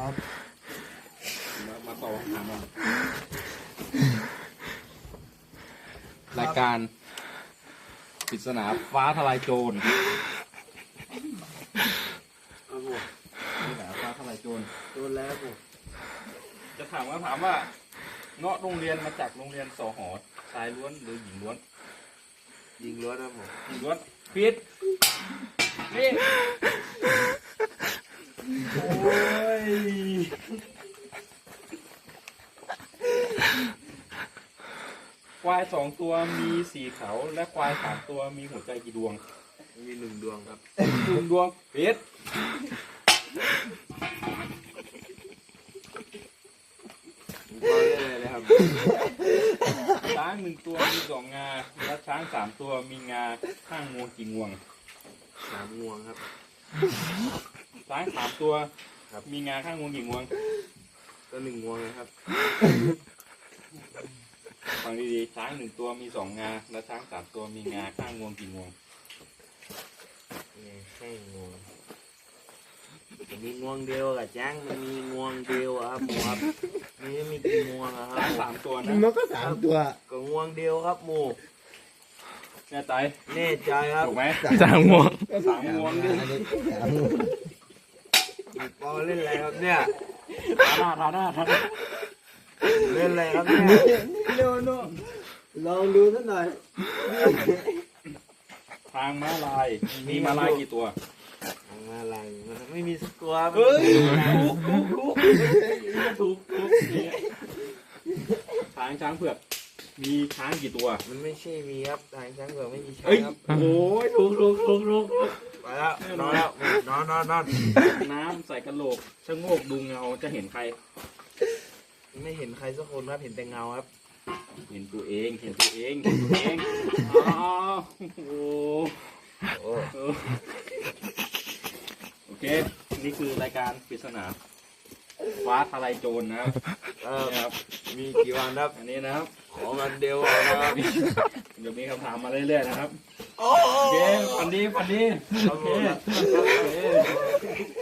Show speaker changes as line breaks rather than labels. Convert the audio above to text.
ครับ
มาต่อคำถามเรารายการปริศนาฟ้าทลายโจรปริศนาฟ้าทลายโจร
โดนแล้วผม
จะถามว่าเงาะโรงเรียนมาจากโรงเรียนสหชายล้วนหรือหญิงล้วน
ยิงล้วนนะผม
หญิงล้วนผิดนี่โอ้ยควาย2 ตัวมี4 เขาและควาย3 ตัวมีหัวใจกี่ดวง
มี1 ดวงครับ
1 ดวงผิด
ก็เล่นเลยครับ
ช้าง1 ตัวมี2 งาและช้าง3 ตัวมีงาข้างงวงกี่งวง
3 งวงครับ
ช้าง3 ตัว
ครับ
มีงาข้างงวงกี่งวง
ก็1 งวงนะครับ
ฟังดีๆช้าง1 ตัวมี2 งาและช้าง3 ตัวมีงาข้างงวงกี่งวง
นี่ให้งวงมันมีงวงเดียวกับจ้างมันมีงวงเดียวอะครับหมูครับนี่มีกี่งวงอะครั
ช้าง
บ
3 ตัวนะ
มันก็3 ตัว
ก็งวงเดียวครับหมู
แน่ใจ
แน่ใจครับ
ถูกไหม
3 งวง
ก็3 งวงดิ3 งวง
ปอเล่นอะไรครับเนี่ย
ทาหน้า
เล่นอะไรครับเนี่ย
โน่โน่ลองดูสักหน่อย
ทางม้าลายมีม้าลายกี่ตัว
มาอะไรมันไม่มีสักตัวครับ
เฮ้ยถูกช้างเผือกมีช้างกี่ตัว
มันไม่ใช่มีครับทางช้างเผือกไม่มีช้าง
เอ้ย
ครับ
โอ้ยถูก
ไปแล้วนอนแล้วนอน
น้ำใส่กระโหลกชะโงกดูเงาจะเห็นใคร
ไม่เห็นใครสักคนครับเห็นแต่เงาครับ
เห็นตัวเองอ๋อโอ้
โอ้
โอเค นี่คือรายการปริศนาฟ้าทลายโจรนะครับ นะครับ
มีกี่วันครับ
อันนี้นะครับ
ขอมันเดียวนะครับ
เดี๋ยวมีคำถามมาเรื่อยๆนะครับ โอเคฝันดี โอเค